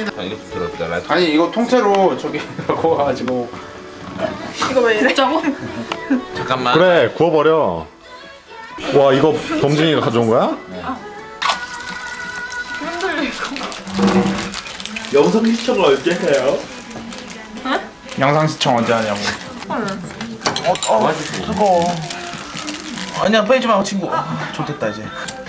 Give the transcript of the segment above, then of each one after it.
이거 좀 들었다. 아니 이거 통째로 저기 구워가지고. 이거 왜 이래? 짜고? 잠깐만. 그래 구워버려. 와 이거 범진이가 가져온 거야? 흔들려 이거. 영상 시청을 언제 해요? 영상 시청 언제 하냐고. 뜨거워. 아니야 빼지 마 친구. 좋됐다 이제.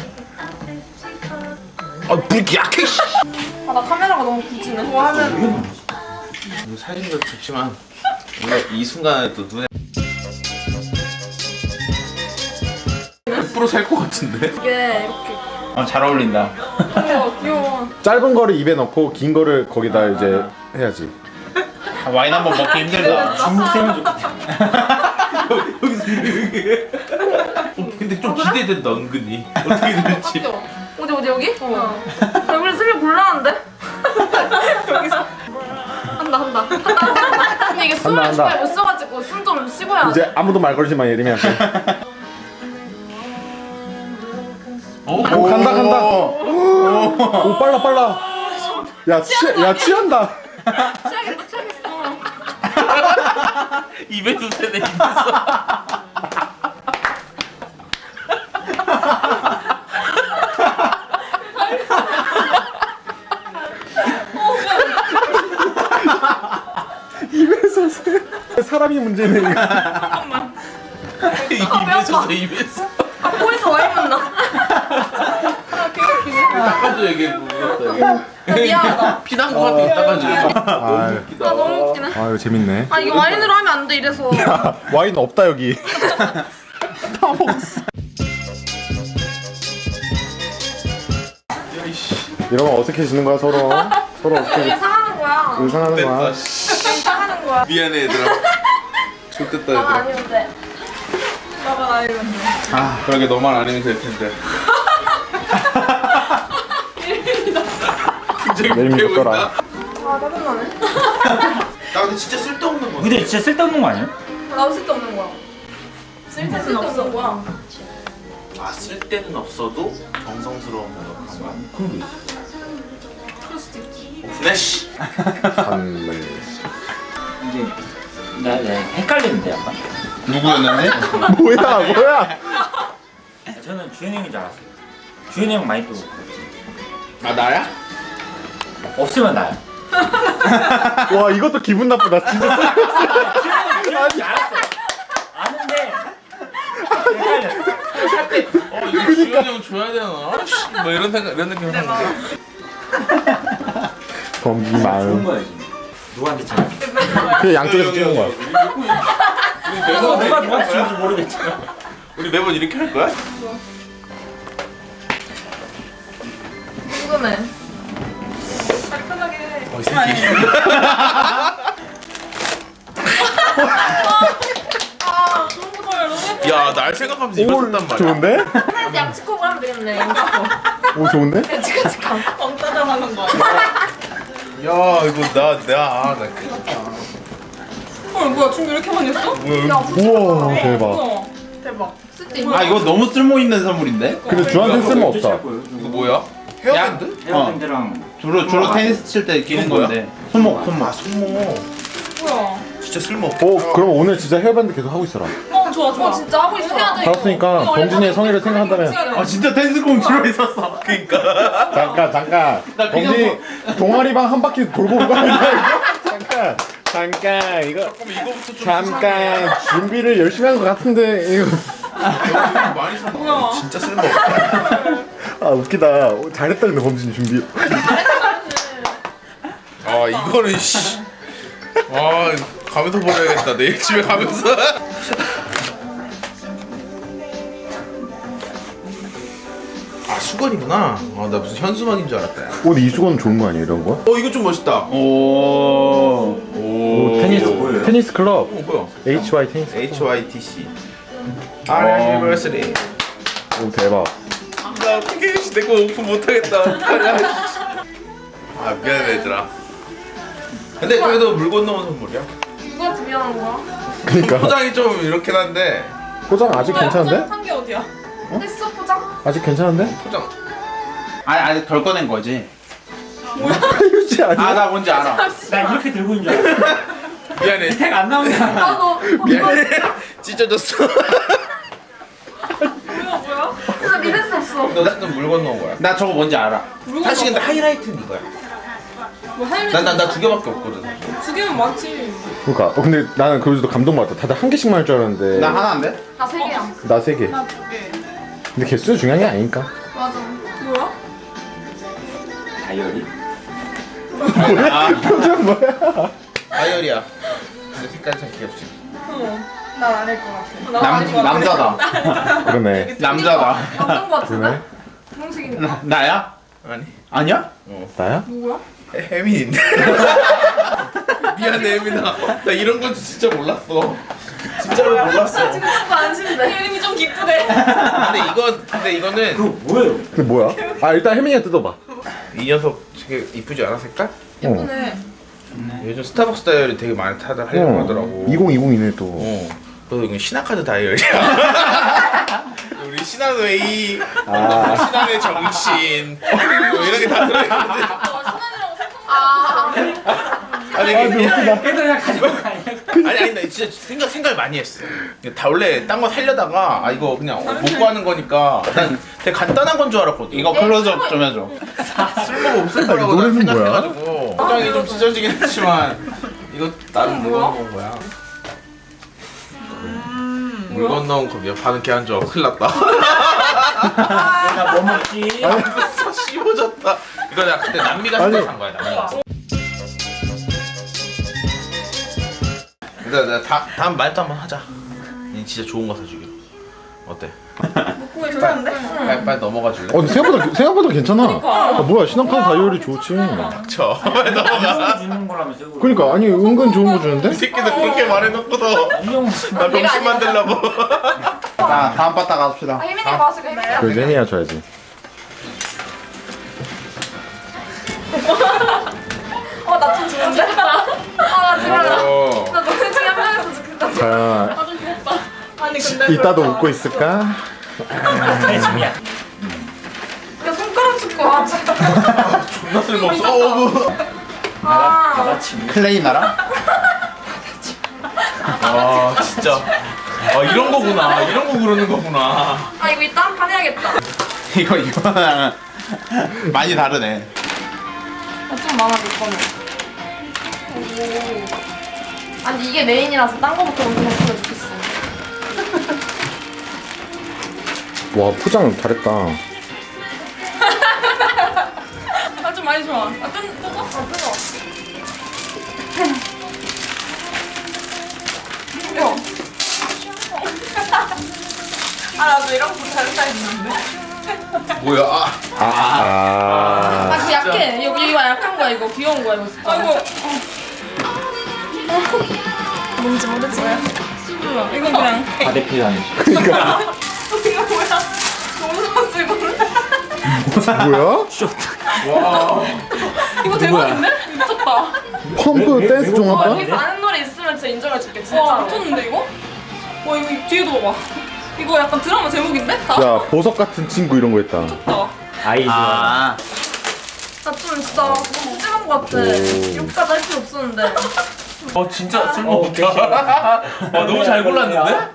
불이 약해. 아, 나 카메라가 너무 굳히네. 좋아하면. 사진도 좋지만 뭔가 이 순간에 또 눈에 100% 살 것 같은데? 이게 이렇게. 잘 어울린다. 귀여워, 귀여워. 짧은 거를 입에 넣고 긴 거를 거기다 이제 해야지. 와인 한번 먹기 힘들다. 중국 생활 좋겠다. 여기서 이렇게. 근데 좀 기대된다 은근히. 어떻게 될지. 어디 여기? 여기를 쓰면 곤란한데? 여기서 한다. 근데 이게 숨을 한다. 잘 못 써가지고 숨 좀 쉬고야 돼. 이제 아무도 말 걸지 마 예림이한테. 오 간다. 오 빨라. 야 취한다. 취하겠어. 입에서 새네 입에서. 입에서 새. 사람이 문제네 이거. 입에서 새 입에서. 코에서 와인 맛나. 닦아줘 여기 묻었다 여기. 미안하다. 피난 거 같아 닦아줘 여기. 너무 웃기다. 아 너무 웃기네. 아 이거 재밌네. 아 이거 와인으로 하면 안 돼 이래서. 야 와인 없다 여기. 다 먹었어. 이러면 어색해지는 거야 서로. 서로 여기 어색해. 상하는 거야. 의상하는 됐다. 거야. 여기 상하는 거야. 미안해 얘들아. 좋겠다 나만 얘들아. 아니면 돼. 나만 아니면 돼. 그러게 너만 아니면 될 텐데. 예림이 굉장히 줬더라. 웃겨 아 짜증나네. 나 근데 진짜 쓸데없는 거. 근데 진짜 쓸데없는 거 아니야? 나도 쓸데없는 거야. 쓸데는 없는 거야. 아 쓸데는 없어도 정성스러운 거 그런 거야. 그럴 수도 있지. 오픈해 씨. 선물. 이제 나 헷갈리는데 약간. 누구였는데? 뭐야? 저는 주현이 형인 줄 알았어요. 주현이 형 많이 또 아 나야? 없으면 나야. 와 이것도 기분 나쁘다. 진짜. 주현이 형인 줄 알았어. 아는데 헷갈렸어. 이거 주현이 형 줘야 되나? 씨, 뭐 이런 생각 이런 느낌 하는 거. 범기 좋은 마음. 거야 지금. 누구한테 쳐? 그 양쪽에서 찍는 거야. 누가 누가 치는지 모르겠지만. 우리 매번 이렇게 할 거야? 궁금해. 잘 편하게 해. 이 새끼. 아 너무 좋아요. 너무 예뻐. 야 날 생각하면서 이거 썼단 말이야. 좋은데? 사이즈 양치컵을 하면 되겠네. 양치컵. 오 좋은데? 치카치카. 엉따장하는 거야. 야 이거 나 큰일 헐 뭐야 춤 이렇게 많이 했어? 우와 대박. 대박. 쓸데있는. 아 이거 너무 쓸모 있는 선물인데? 근데 주한테 쓸모 없다. 이거 뭐야? 헤어밴드? 헤어밴드랑 주로 테니스 칠 때 끼는 이건 뭐야? 건데. 손목. 아 손목. 뭐야? 진짜 쓸모없다. 그럼 오늘 진짜 헤어밴드 계속 하고 있어라. 좋아 좋아. 진짜 하고 있어. 해야 돼. 알았으니까 범진이의 성의를 생각한다면. 아 진짜 테니스공 들어있었어. 그니까. 잠깐. 나 그냥 범진이 동아리방 한 바퀴 돌고 온 거 아니야? 이거? 잠깐 이거. 그럼 이거부터 좀 잠깐 준비를 열심히 한 것 같은데 이거. 많이 썼나? 진짜 쓸모없다. 아 웃기다. 잘했다 근데 범진이 준비. 아 이거는 씨. 아 가면서 버려야겠다. 내일 집에 가면서. 아 수건이구나. 아 나 무슨 현수막인 줄 알았다. 야. 근데 이 수건 좋은 거 아니야 이런 거? 이거 좀 멋있다. 오. 오 테니스 클럽. 뭐야? HY 테니스. HYTC. Anniversary. 오 대박. 나 어떻게 내거 오픈 못하겠다. 어떡하냐. 아 미안해 얘들아. 근데 그래도 물 건너온 선물이야. 누가 준비하는 거야? 그러니까 포장이 좀 이렇긴 한데 포장 아직 괜찮은데? 한게 어디야? 했어 포장? 아직 괜찮은데? 포장. 아직 덜 꺼낸 거지. 이거 꼴찌 아니야? 아 나 뭔지 알아. 나 이렇게 들고 있는 줄 알았어. 미안해. 택안 나온다. 나도 미안해. 찢어졌어. 진짜 믿을 수 없어. 너 어쨌든 물 건너온 거야. 나 저거 뭔지 알아. 사실 근데 하이라이트는 이거야. 뭐 하이라이트 나 두 개밖에 없거든. 두 개면 많지. 그러니까 근데 나는 그래도 감동받았다. 다들 한 개씩만 할 줄 알았는데 나 하나인데? 나 3개야. 나 3개. 나 두 개. 근데 개수 중요한 게 아니니까. 맞아. 뭐야? 다이어리? 표정 뭐야? 다이어리야. 근데 색깔이 참 귀엽지. 난 아닐 것 같아. 남자다. 그러네. 남자다. 감동 거 그러네. 같은데? 공식이니까. 나야? 아니. 아니야? 나야? 누구야? 혜민인데. 미안해 혜민아. 나 이런 건 진짜 몰랐어. 진짜로 몰랐어. 지금 조금 안심돼. 이름이 좀 기쁘대. 근데 이거는 그거 뭐예요? 그게 뭐야? 아 일단 혜민이가 뜯어봐. 이 녀석 되게 이쁘지 않아 색깔? 예쁘네. 요즘 스타벅스 다이어리 되게 많이 타다 하려고 하더라고. 2020이네 또. 그래서 이건 신한카드 다이어리야. 우리 신한웨이, 신한의 정신 뭐 이런 게 다 들어있는데. 아. 아니 이게 그냥 그래서 그냥 가져온 거 아니야? 아니 나 진짜 생각을 많이 했어. 다 원래 딴 거 살려다가 아 이거 그냥 먹고 하는 거니까 난 되게 간단한 건 줄 알았거든. 이거 클로즈업 좀 해줘. 쓸모가 없을 거라고 이 난 노래는 뭐야? 생각해가지고 포장이 좀 찢어지긴 했지만 이거 나는 물 건너온 거야. 물 건너온 컵이야. 반은 걔한 줄 알고 큰일 났다. 내가 뭐 먹지? 씹어졌다. 이거 내가 그때 남미 갔을 때 산 거야. 남미 갔을 때. 내가 다음 말도 한번 하자. 얘 진짜 좋은 거 사주기로. 어때? 그거 괜찮은데? 빨리 넘어가 줄래? 근데 생각보다 괜찮아. 아, 뭐야 신한카드 다이어리 좋지. 쳐. 빨리 넘어가. 주는 거라면서 이거. 그러니까 아니 은근 좋은 거 이 주는데? 새끼들 그렇게 말해놓고도 이용 나 병신 만들려고. 자 다음 바닥 갑시다. 아, 혜민이 봤을 때 그래서 혜민이가 줘야지. 나 좀 좋은데? 나 지금 어. 나 너네 중에 한 명이었으면 좋겠다. 자 아좀 귀엽다. 아니 근데 이따도 웃고 있을까? 대중이야. 야 손가락 축구. 아 진짜. 존나 쓸모없어. 다 같이. 클레이 나라? 아 진짜. 아 이런 거구나. 이런 거 그러는 거구나. 아 이거 이따 한 판 해야겠다. 이거랑 많이 다르네. 좀 많아 몇 번은. 아니 이게 메인이라서 딴 거부터 먼저 했으면 좋겠어. 와 포장 잘했다. 아 좀 많이 좋아. 아 뜯어? 아 뜨거. 아 나도 이런 거 잘했다 했는데. 뭐야? 아. 아, 그 약해. 이거 약한 거야. 이거 귀여운 거야. 이거 진짜. 아이고. 뭔지 모르지. 몰라. 이건 그냥. 바데필라니. 이거 뭐야? 너무 좋았어 이거는. 뭐야? 이거 대박인데? 미쳤다. 펌프 댄스 종합반? 여기서 아는 노래 있으면 진짜 인정해줄게. 와 진짜. 미쳤는데 이거? 와 이거 뒤에도 봐봐. 이거 약간 드라마 제목인데? 다? 야 보석 같은 친구 이런 거 했다. 미쳤다. 아이 좋아. 아 나 좀 진짜 너무 찜한 거 같아. 오. 이렇게까지 할 필요 없었는데. 진짜 쓸모없다. 와 너무 잘 골랐는데?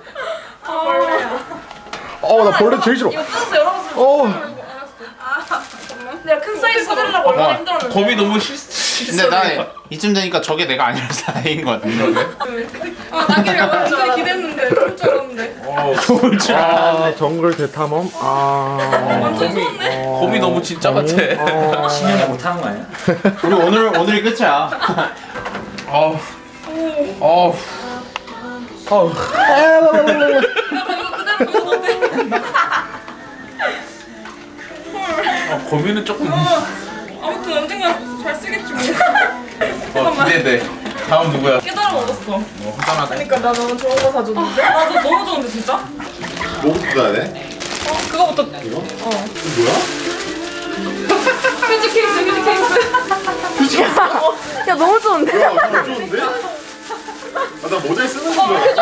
나 벌레 제일 싫어. 이거 뜯어서 열어봤으면 어. 내가 큰 사이즈 사주려고 얼마나 힘들었는데. 겁이 너무 근데 실수. 나 이쯤 되니까 저게 내가 아니라서 다행인 것 같은데. 아 나기를 완전 기대했는데 그럴 줄 알았는데. 좋을 줄 알았는데. 아 정글 대탐험. 아. 완전 좋은데? 겁이 너무 진짜 같아. 신년에 못하는 거 아니야? 우리 오늘이 끝이야. 어우. 어우. 어우. 약간 이거 그대로 보여도 돼. 거미는 조금. 아무튼 언젠가 잘 쓰겠지 뭐. 기대돼. 다음 누구야? 깨달음 얻었어. 화장하다. 그러니까 나 너무 좋은 거 사줬는데? 나도 너무 좋은데 진짜? 뭐부터 가야 돼? 그거부터. 뭐야? 휴지 케이스, 휴지 케이스. 야 너무 좋은데? 야 이거 좋은데? 나 모자에 쓰는 거 좋아.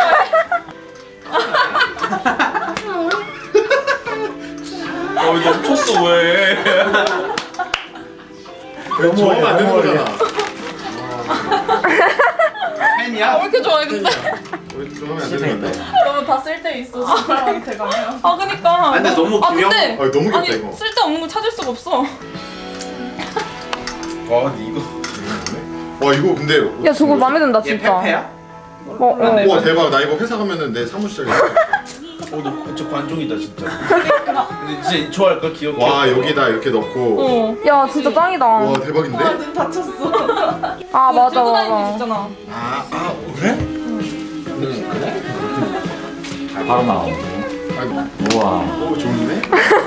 왜 멈췄어 왜? 너무 저러면 안 되는 거잖아. 팬이야? 왜 이렇게 좋아해 근데? 저러면 안 되는 건데. 너무 다 쓸 데 있어. 사람한테 가면. 아 그니까. 근데 너무 아 귀여워. 근데 너무 귀엽다 아니 이거. 쓸데없는 걸 찾을 수가 없어. 와 근데 이거 와 이거 근데. 야 저거 마음에 든다 얘 진짜. 페페야? 와 대박. 나 이거 회사 가면은 내 사무실에. 너 진짜 관종이다 진짜. 근데 진짜 좋아할까 귀엽게. 와 여기다 이렇게 넣고. 야 진짜 짱이다. 와 대박인데? 눈 다쳤어. 아 맞아 들고 다니는 거 맞아. 있잖아. 그래? 바로 나오고. 우와. 오 좋은데?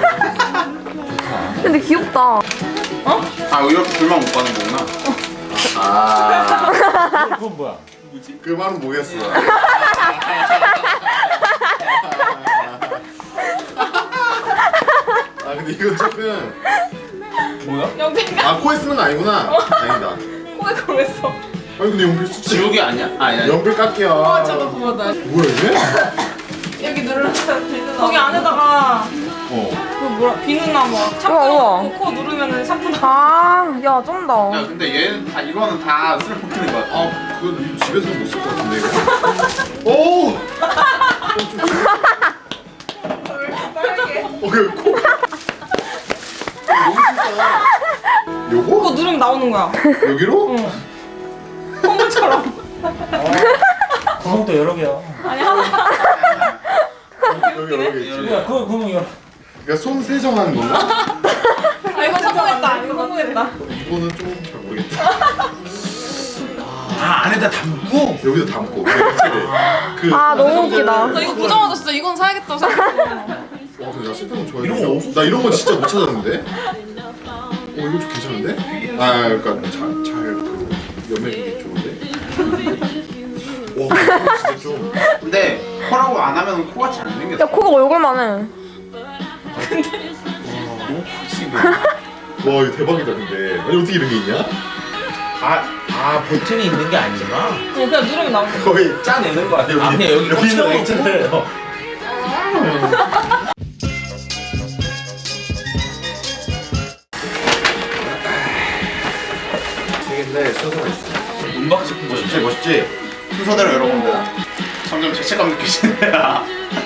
근데 귀엽다. 아 이렇게 둘만 못 가는 거구나. 아. 그건 뭐야? 그 말은 뭐겠어. 아 근데 이거 조금. 뭐야? 영빈가 아 코에 쓰는 거 아니구나. 다행이다. 코에 그걸 왜 써? 아니 근데 연필 수치. 지우개 아니야? 아니야. 연필 깎이야. 와 저거 뭐다. 뭐야 이게? 여기 누르면 되는 거기 안에다가 어. 그 뭐라 비누나 뭐 샴푸 우와, 우와. 넣고 코 누르면은 샴푸 나. 아야 쩐다. 야 근데 얘는 다 이거는 다 쓸모없는 거야. 아 그거 집에서 못 쓸 것 같은데 이거. 오. 왜 이렇게 빨개? 그 코가. 너무 크다. 요거? 그거 누르면 나오는 거야. 여기로? 콧물처럼. 구멍도 여러 개야. 아니 하나. 여기 여기 있지. 야, 그 구멍 여러. 그러니까 손 세정하는 건가? 아 이거 성공했다. 이거 성공했다. 이거는 좀 잘 모르겠다. 아 안에다 담고? 여기도 담고. 그 아 너무 웃기다. 나 이거 보자마자 진짜 이건 사야겠다 생각했어. 와 근데 나 쓸데없는 좋아해. 이런 거 없었어? 나 이런 건 진짜 못 찾았는데. 이거 좀 괜찮은데? 아 그러니까 잘그 연맥이 좋은데. 와 이거 진짜 좀. 근데 코라고 안 하면 코가 잘 안 생겼어. 야 코가 얼굴만 해. 와 이거 대박이다 근데. 아니 어떻게 이런 게 있냐? 아 버튼이 있는 게 아니구나. 그냥 누르면 나오는 거야. 거의 짜내는 거 아니야? 아 그냥 여기 여기 있는 꽂혀놓고. 액체를. 되겠네 순서가 있어. 문박식 멋있지 멋있지. 순서대로 여러분들 점점 죄책감 느끼시네요.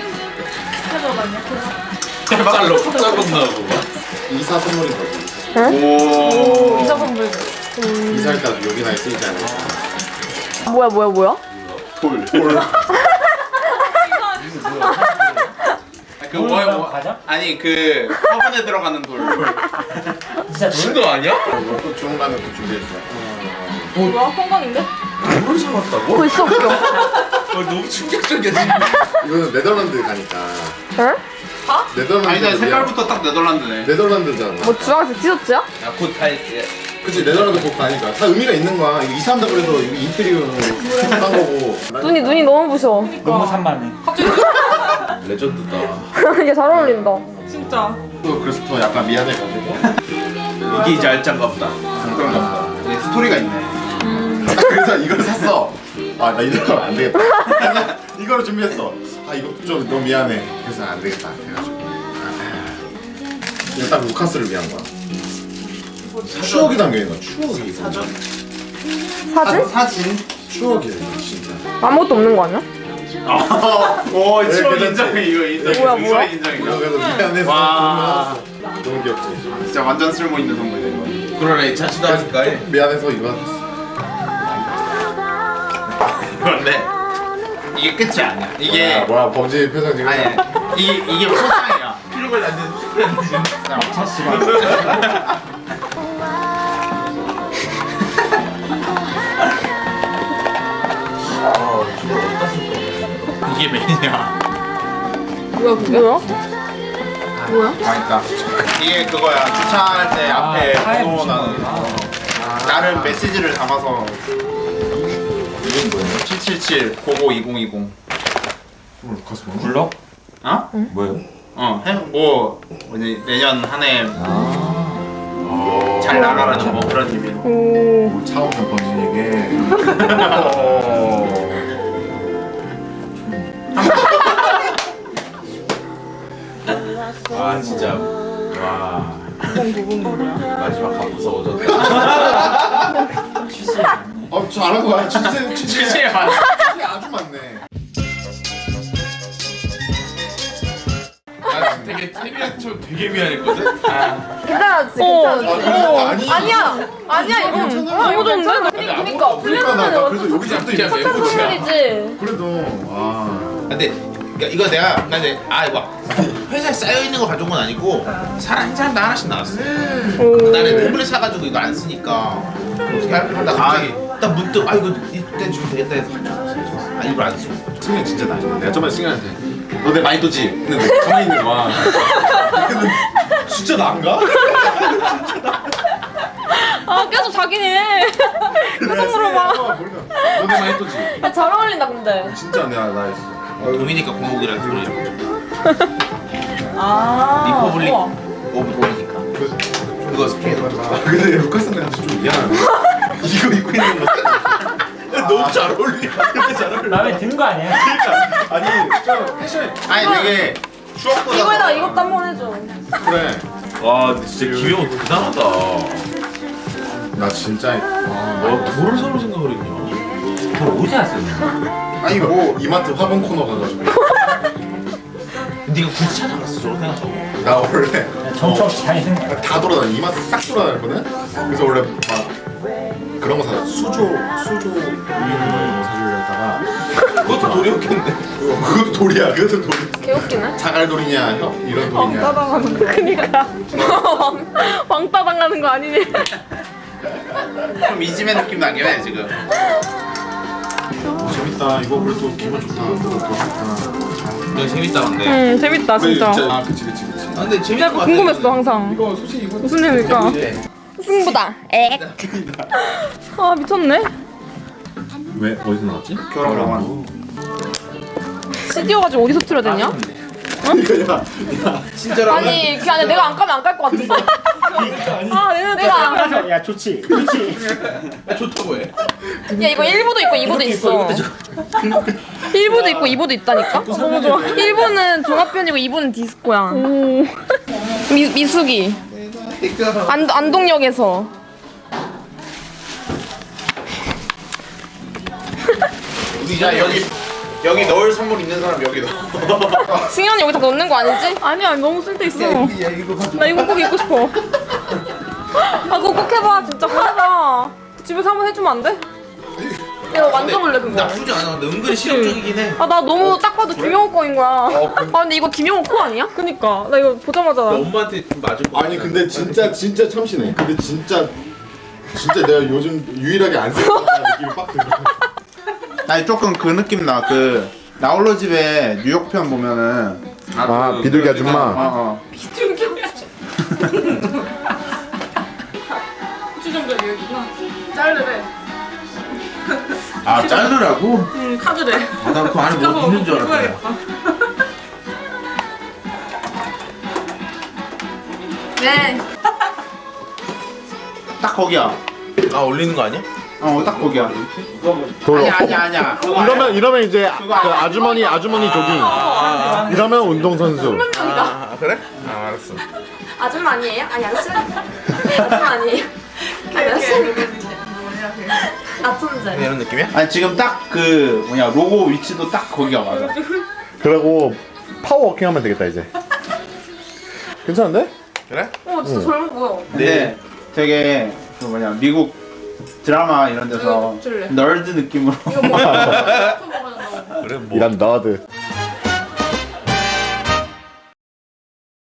짭짤로 짭짤로 나고. 이사 선물인 거지. 오. 이자 선물. 이사할 때 여기나 쓰이지 않을까? 뭐야? 돌. 그 돌 가자? 아니 그 화분에 들어가는 돌. 진짜 돌? 신도 아니야? 또 좋은 거는 또 준비했어. 뭐야? 건강인데? 뭘 사왔다고? 그거 있어 없어? 너무 충격적이야 지금. 이거는 네덜란드 가니까. 응? 네덜란드. 아니 나 색깔부터 딱 네덜란드네. 네덜란드잖아. 뭐 주황색 티셔츠야? 야곧다 그치 네덜란드 곧 가니까 다 의미가 있는 거야. 이거 이사한다 그래서 이거 인테리어로 한 거고. 눈이 너무 부셔. 너무 산만해. 갑자기 레전드다. 이게 잘 어울린다. 진짜. 또 그래서 더 약간 미안해가지고. 이게 이제 알짠가 보다. 그런가 보다. 이게 스토리가 있네. 나 그래서 이걸 샀어. 아 나 이대로 가면 안 되겠다. 이거를 준비했어. 아 이거 좀 너무 미안해. 그래서 안 되겠다. 해가지고. 이거 딱 루카스를 위한 거야. 추억이 담겨 있는 거야. 추억이. 사진? 사진? 추억이야 이거 진짜. 아무것도 없는 거 아니야? 오 네, 추억 괜찮지? 인정해 이거 인정. 뭐야? 추억 인정이다. 그래서 미안해서 와. 너무 귀엽지. 진짜 완전 쓸모 있는 선물이네 이거. 그러네 자취도 하니까. 미안해서 이거 샀어. 그런데 이게 끝이 아니야. 이게 뭐야 범죄 표정 지금. 아니 이게 포장이야. 필요가 안 되는. 차 씨발. 이게 메인이야. 뭐야? 그러니까 이게 그거야. 주차할 때 앞에 하얀 번호 붙인 나는 거구나. 나름 메시지를 담아서 이건 뭐야? 777 고고 2020. 루카스 뭐? 블럭? 어? 뭐예요? 뭐 뭐지 내년 한 해 잘 나가라는 뭐 그런 의미로. 오. 차오면 범죄에게. 아 진짜 와. 마지막 가고서 오졌다. 잘한 거야. 진짜 실체에 맞아. 아주 많네. 나 되게 태미한테 되게 미안했거든. 괜찮았지, 괜찮았지. 아니야, 이거 너무 좋은데? 그러니까 그러니까 나 그래서 여기서부터 그냥 이거 멘붕이야. 그래도 근데 이거 내가 나 이제 이거 회사에 쌓여 있는 거 가져온 건 아니고 한 사람당 하나씩 나왔어. 나는 태블릿 사가지고 이거 안 쓰니까 어떻게 할까 하다 갑자기 딱 문득 이거 이때 주면 되겠다 해서 가져왔어. 일부러 안 쓰고. 승현 진짜 나중에 내가 저번에 승현한테 너 내 많이 떠지? 근데 왜 가만히 있는 거야. 근데 진짜 난가? 계속 자기네. 계속 물어봐. 너 내 많이 떠지? 잘 어울린다 근데. 진짜 내가 나 했어. 도미니카 공복이라는 소리. 리퍼블릭 우와. 오브 도미니카. 그거 스피드. 근데 루카스한테 좀 미안하네. 이거 입고 있는 거. 너무 잘 어울려. 되게 잘 어울려. 마음에 드는 거 아니야? 아니 진짜 패션. 아니 되게 추억보다. 이거에다가 이것도 한번 해줘. 그래. 와 근데 진짜 김영호 대단하다. 나 진짜 뭐를 사러 생각을 했냐. 그걸 어디서 왔어? 아니 뭐 이마트 화분 코너 가가지고 네가 굳이 찾아갔어 저거 생각하고. 나 원래 정처 없이 다니는 거야. 다 돌아다니 이마트 싹 돌아다녔거든. 그래서 원래 막 그런 거 사 수조 우유 이런 거 사주려다가 그것도 돌이었겠네. 그것도 돌이야. 그것도 돌. 개웃기네. 자갈돌이냐 이런 돌이냐. 따당하는 거. 그니까. 왕따 당하는 거 아니니? 좀 이지메 느낌 나긴 해 지금. 재밌다. 이거 그래도 기분 좋다. 그거 더 좋다. 이거 재밌다 근데. 재밌다 진짜. 아 그치. 근데 재밌는 거 같아. 궁금했어 항상. 이거 솔직히 이거 무슨 일일까? 승부다. 미쳤네. 왜 어디서 나왔지? 결혼하고. CD여 가지고 어디서 틀어야 되냐? 야, 친절하고. 아니 그 안에 내가 안 까면 안 깔 것 같았어. 내가 안 까면. 야 좋지. 좋지. 좋다고 해. 야 이거 1부도 있고 2부도 있어. 1부도 있고 2부도 있다니까? 너무 좋아. 1부는 종합편이고 2부는 디스코야. 미숙이. 안동역에서. 야 여기 넣을 선물 있는 사람 여기 넣어. 승현이 여기다 넣는 거 아니지? 아니야 너무 쓸데 있어. 나 이거 꼭 입고 싶어. 그거 꼭 해봐 진짜 꼭 해봐. 집에서 한번 해주면 안 돼? 내가 만져볼래 그거. 나쁘지 않아. 근데 은근히 실용적이긴 해. 나 너무 딱 봐도 김영호 거인 거야. 근데 이거 김영호 코 아니야? 그니까 나 이거 보자마자 엄마한테 좀 맞을 거. 아니 근데 진짜 참신해. 근데 진짜 내가 요즘 유일하게 안 쓰는 느낌이 빡 들어. 아니 조금 그 느낌 나. 그 나홀로 집에 뉴욕 편 보면은 비둘기 아줌마. 주정별 여기구나. 자르래. 자르라고? 응 카드래. 나 그 안에 뭐 있는 줄 알았다. 네. 딱 거기야. 올리는 거 아니야? 딱 거기야. 아니야. 이러면 이제 그거 아니야. 아주머니 조깅. 이러면 운동선수. 그래? 알았어. 아줌마 아니에요? 아니, 아저씨? 아줌마 아니에요? 아니, 아저씨? 나쁜데. 이런 느낌이야? 아니 지금 딱 그 뭐냐 로고 위치도 딱 거기가 맞아. 그리고 파워워킹 하면 되겠다 이제. 괜찮은데? 그래? 진짜 젊어 보여. 근데 되게 그 뭐냐 미국 드라마 이런 데서 줄래? 널드 느낌으로. 그래 뭐. 이런 너드.